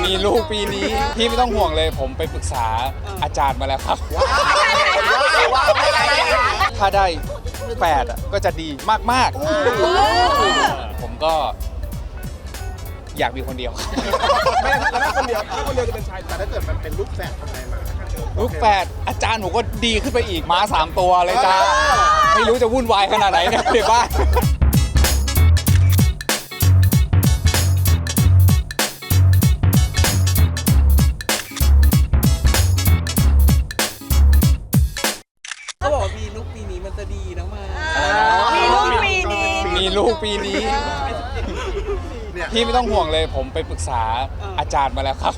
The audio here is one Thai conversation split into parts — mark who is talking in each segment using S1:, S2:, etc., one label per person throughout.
S1: มีลูกปีนี้พี่ไม่ต้องห่วงเลยผมไปปรึกษาอาจารย์มาแล้วครับถ้าได้8ก็จะดีมากๆผมก็อยากมีคนเดียว
S2: ไม่ถ้าคนเดียวจะเป็นชายแต่ถ้าเกิดมันเป็นลูกแฝดทำไงมา
S1: ลูกแฝดอาจารย์ผมก็ดีขึ้นไปอีกม้า3 ตัวเลยจ้าไม่รู้จะวุ่นวายขนาดไหนเนี่ยในบ้าน
S3: เขาบอกว่ามีลูกปีนี้มันจะดีนะมา
S1: มีลูกปีนี้พี่ไม่ต้องห่วงเลยผมไปปรึกษาอาจารย์มาแล้วครับ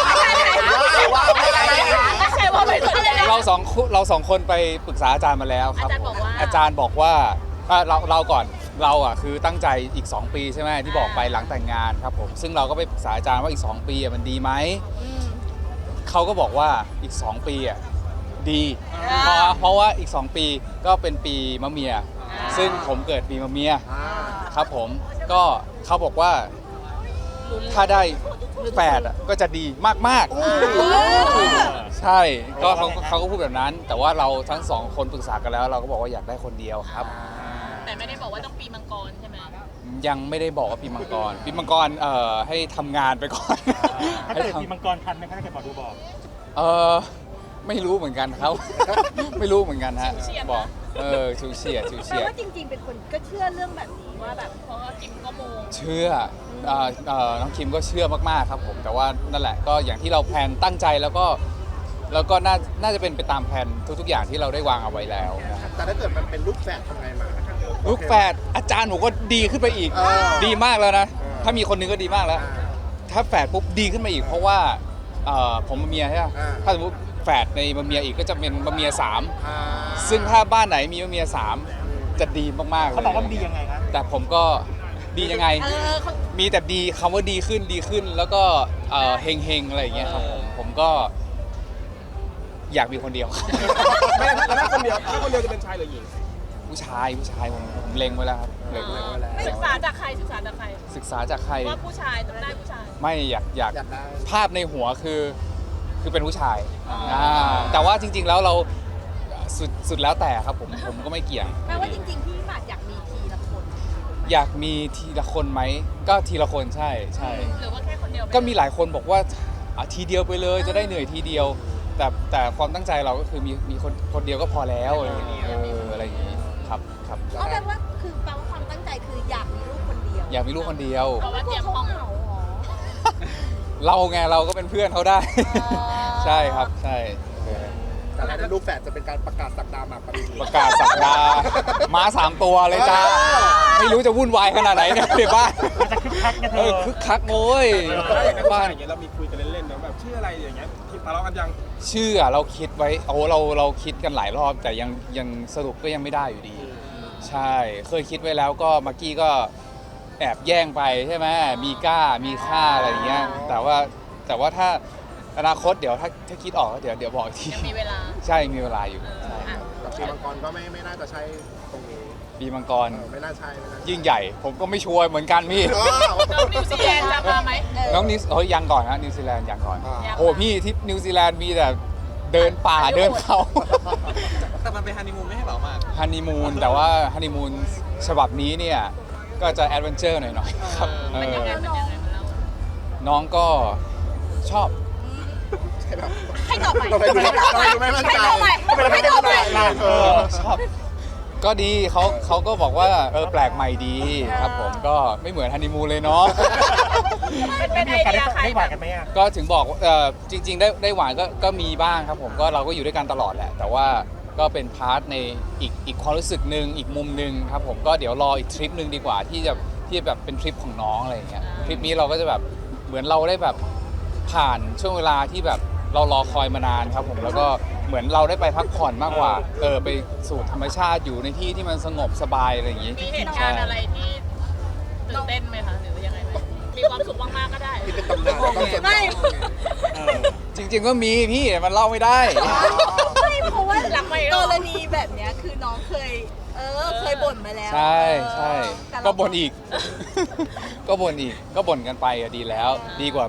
S1: เราสองคนไปปรึกษาอาจารย์มาแล้วครับอาจารย์บอกว่าเราก่อนเราอ่ะคือตั้งใจอีก2 ปีใช่ไหมที่บอกไปหลังแต่งงานครับผมซึ่งเราก็ไปปรึกษาอาจารย์ว่าอีก2 ปีมันดีไหมเขาก็บอกว่าอีก2 ปีดีเพราะว่าอีก2 ปีก็เป็นปีมะเมียซึ่งผมเกิดปีมะเมียครับผมก็เขาบอกว่าถ้าได้8ก็จะดีมากๆใช่ก็เขาก็พูดแบบนั้นแต่ว่าเราทั้ง2 คนปรึกษากันแล้วเราก็บอกว่าอยากได้คนเดียวครับ
S4: แต่ไม่ได้บอกว่าต้องปีมังกรใช่ไหม
S1: ยังไม่ได้บอกว่าปีมังกรให้ทำงานไปก่อน
S5: ถ้าเกิดปีมังกรทันไหมคะถ้าเกิดหมอดูบอก
S1: ไม่รู้เหมือนกันครับ ไม่รู้เหมือนกันฮะบอกชิวเฉียด
S6: แปลว่าจริงๆเป็นคนก็เชื่อเรื่องแบบนี้ว่าแบบ
S4: เพราะว่าคิมก็มู
S1: เชื่อน้องคิมก็เชื่อมากๆครับผมแต่ว่านั่นแหละก็อย่างที่เราแพลนตั้งใจแล้วก็น่าจะเป็นไปตามแผนทุกๆอย่างที่เราได้วางเอาไว้แล้วนะครับ
S2: แต่ถ้าเกิดมันเป็นลูกแฝดทำไงมา
S1: ลูกแฝดอาจารย์หนูก็ดีขึ้นไปอีกดีมากแล้วนะถ้ามีคนนึงก็ดีมากแล้วถ้าแฝดปุ๊บดีขึ้นมาอีกเพราะว่าผมมะเมียใช่ไหมถ้าสมมติแฝดในมะเมียอีกก็จะเป็นมะเมีย3ซึ่งถ้าบ้านไหนมีมะเมีย3จะดีมากๆเลย
S5: เขาบอกว่าดียังไงครับ
S1: แต่ผมก็ดียังไงมีแต่ดีคำว่าดีขึ้นแล้วก็เฮงอะไรอย่างเงี้ยครับผมก็อยากมีคนเดียว
S2: ไม่ถ้าคนเดียวจะเป็นชายหรือหญิง
S1: ผู้ชายผมเล็งไว้แล้วครับเล็งไว้แล้ว
S4: ศึกษาจากใครศึกษาจากใครว่าผู้ชายต้องได้ผู้ชาย
S1: ไม่อยากภาพในหัวคือเป็นผู้ชายแต่ว่าจริงๆแล้วเราสุดแล้วแต่ครับผมก็ไม่เกี่ยง
S6: แปลว่าจริงๆพี่หมากอยากมีทีละคน
S1: อยากมีทีละคนไหมก็ทีละคนใช่
S4: หรือว่าแค่คนเดียว
S1: ก็มีหลายคนบอกว่าทีเดียวไปเลยจะได้เหนื่อยทีเดียวแต่ความตั้งใจเราก็คือมีคนเดียวก็พอแล้วอะไรอย่างนี้อะไรอย่างนี้ครับ
S6: ก็แปลว่าคือแปลว่าความตั้งใจคืออยากมีลูกคนเดียว
S1: อยากมีลูกคนเดียว
S4: เพราะว่าเตรียมห้อง
S1: เราไงเราก็เป็นเพื่อนเขาได้ใช่ครับใช่
S2: แต่ถ้าลูกแฝดจะเป็นการประกาศศักดาหมากปริน
S1: ประกาศศักดาม้า3 ตัวเลยจ้าไม่รู้จะวุ่นวายขนาดไหนเนี่ยในบ้าน
S5: จะคึกคักไงเธอ
S1: คึกคักโว้ย
S2: บ้านอย่างเงี้ยเรามีคุยกันเล่นๆนะแบบชื่ออะไรอย่างเงี้ยทะเลาะกันยัง
S1: ชื่อเราคิดไว้เราคิดกันหลายรอบแต่ยังสรุปก็ยังไม่ได้อยู่ดีใช่เคยคิดไว้แล้วก็มักกี้ก็แอบแย่งไปใช่ไหมมีก้ามีค่าอะไรอย่างเงี้ยแต่ว่าถ้าอนาคตเดี๋ยวถ้าคิดออกเดี๋ยวบอกที
S4: มีเวลา
S1: ใช่มีเวลาอยู่
S2: ปีมังกรก็ไม่น่าจะใช่ตรงนี้
S1: ปีมังกร
S2: ไม่น่าใช่
S1: ยิ่งใหญ่ผมก็ไม่ชัวร์เหมือนกันพี่
S4: น้องนิวซีแลนด์จะมาไหม
S1: น้องยังก่อนนะนิวซีแลนด์ยังก่อนโอ้พี่ที่นิวซีแลนด์มีแต่เดินป่าเดินเขา
S3: แต่มันเป็นฮันนีมูนไม่ให้เปล่ามาก
S1: ฮันนีมูนแต่ว่าฮันนีมูนฉบับนี้เนี่ยก็จะแอดเวนเจอร์หน่อยๆครับน้องก็ชอบ
S6: ให้ตอบใหม่
S1: ชอบก็ดีเขาก็บอกว่าแปลกใหม่ดีครับผมก็ไม่เหมือนฮันนีมูนเลยเนาะ
S4: เป็นไอเดียใคร
S5: ได้หวานกันไหม
S1: ก็ถึงบอกจริงๆได้หวานก็มีบ้างครับผมก็เราก็อยู่ด้วยกันตลอดแหละแต่ว่าก็เป็นพาร์ทในอีกความรู้สึกหนึ่งอีกมุมหนึ่งครับผมก็เดี๋ยวรออีกทริปหนึ่งดีกว่าที่แบบเป็นทริปของน้องอะไรอย่างเงี้ยทริปนี้เราก็จะแบบเหมือนเราได้แบบผ่านช่วงเวลาที่แบบเรารอคอยมานานครับผมแล้วก็เหมือนเราได้ไปพักผ่อนมากกว่าไปสู่ธรรมชาติอยู่ในที่ที่มันสงบสบายอะไรอย่างงี้
S4: มีเหตุการณ์อะไรที่ตื่นเต้นไหมคะหรือว่ายังไงมีความสุขมากๆก็ได้
S2: ที่เป็นตำนานไม่
S1: จริงๆก็มีพี่มันเล่าไม่ได้
S6: ไม่เพราะว่ากรณีแบบเนี้ยคือน้องเคยบ่นมาแล้ว
S1: ใช่ก็บ่นอีกก็บ่นกันไปดีแล้วดีกว่าแบบ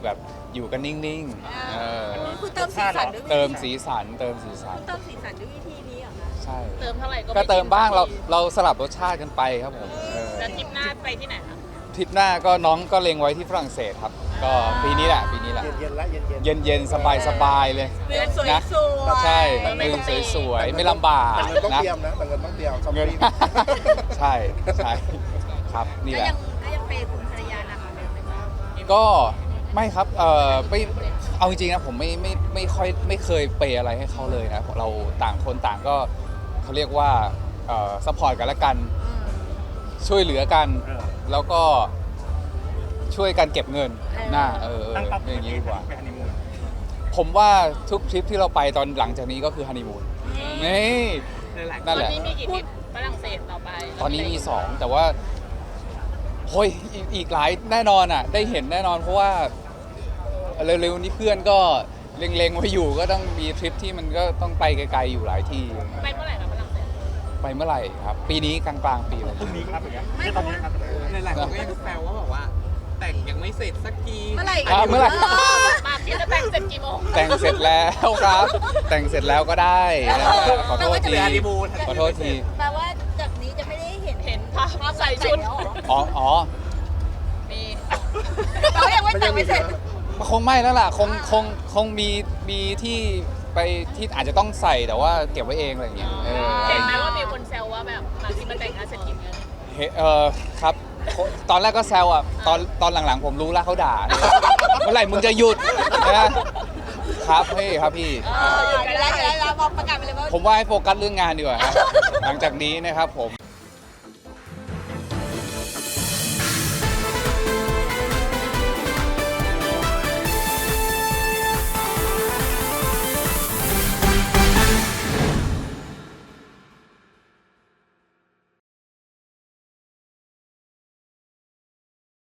S1: อยู่กันนิ่งๆ
S6: คุณเติมสีสันด้วย
S1: เติมสีสันเติมสีสัน
S6: คุณเติมสีสันด้วยวิธีนี้เหรอคะ
S1: ใช่
S4: เติมเท่าไหร่ก็
S1: ก็เติมบ้าง
S4: ไกิน
S1: เราสลับรสชาติกันไปครับผม
S4: แล้วทริปหน้าไปที่ไหนคะ
S1: ทริปหน้าก็น้องก็เล็งไว้ที่ฝรั่งเศสครับ ก็ปีนี้แหละ
S2: เย็นๆละเย็นๆ
S1: เย็นๆ สบายๆเลย
S6: วิวสวย
S1: นะ
S6: ๆ
S1: ใช่วิวสวยๆ ไม่ลำบาก
S2: แต่เงินต้อง
S1: นะ
S2: เตรียมนะแต่เงินต้องเตรียมช้อป
S1: เงิน
S2: ปิ้ง
S1: ใช่ครับนี่
S6: ก็
S1: แหละ
S6: ยังเปย์คุณภรรยานะคะเดิมไหมคะ
S1: ก็ไม่ครับไม่เอาจริงๆนะผมไม่ค่อยไม่เคยเปย์อะไรให้เขาเลยนะเราต่างคนต่างก็เขาเรียกว่าซัพพอร์ตกันและกันช่วยเหลือกัน แล้วก็ช่วยกันเก็บเงินน่า
S5: ตั้งเป้า
S1: เป็นอย่างนี้ดีกว่า
S5: ไปฮันนีมูน
S1: ผมว่าทุกทริปที่เราไปตอนหลังจากนี้ก็คือฮันนีมูนนี่
S4: ต
S1: นั่
S4: อน
S1: นแหละ
S4: นี้มีกี่ทริปฝรั่งเศสต่อไป
S1: ตอนนี้มี 2 แต่ว่าโอ้ยอีกหลายแน่นอนอ่ะ ได้เห็นแน่นอนเพราะว่าเร็วๆนี้เพื่อนก็เล็งๆไว้อยู่ก็ต้องมีทริปที่มันก็ต้องไปไกลๆอยู่หลายที่
S4: ไปเมื่อไหร่คะฝรั่งเศส
S1: ไปเมื่อไหร่ครับ ปีนี้กลางๆปีเลย
S5: พรุ่งนี้ครับอย่างเงี้ยไม่ตอนนี้ครับ
S3: หลายๆคนก็ยังแซวว่าแบบว่า แต่งยังไม่เสร็จสักที
S6: เมื่อไหร่
S1: เมื่อไหร่
S4: มาที่จะแต่งเสร็จกี่โมง
S1: แต่งเสร็จแล้วครับ แต่งเสร็จแล้วก็ได้นะขอโทษที
S3: ฮันนีมูน
S1: ขอโทษที
S6: แปลว่าจากนี้จะไม่ได้เห็น
S4: เห็นภาพใส่ชุด
S6: แล้วเหรอ
S1: อ๋อ
S4: มี
S6: เรายังไม่แต่งไม่เสร็จ
S1: คงไม่แล้วล่ะคงมีที่ไปที่อาจจะต้องใส่แต่ว่าเก็บไว้เองอะไรอย่างเงี้ย
S4: เห็นไหมว่ามีคนแซวว่าแบบมาที่มาแต่งงานเสร็จกี่โมง
S1: ครับตอนแรกก็แซวอ่ะตอนหลังๆผมรู้แล้วเขาด่าเมื่อไหร่มึงจะหยุดนะครับพี่ครับพี่
S6: อยู่กันแล้วบอกประกาศไปเลยว่า
S1: ผมว่าให้โฟกัสเรื่องงานดีกว่าครับหลังจากนี้นะครับผม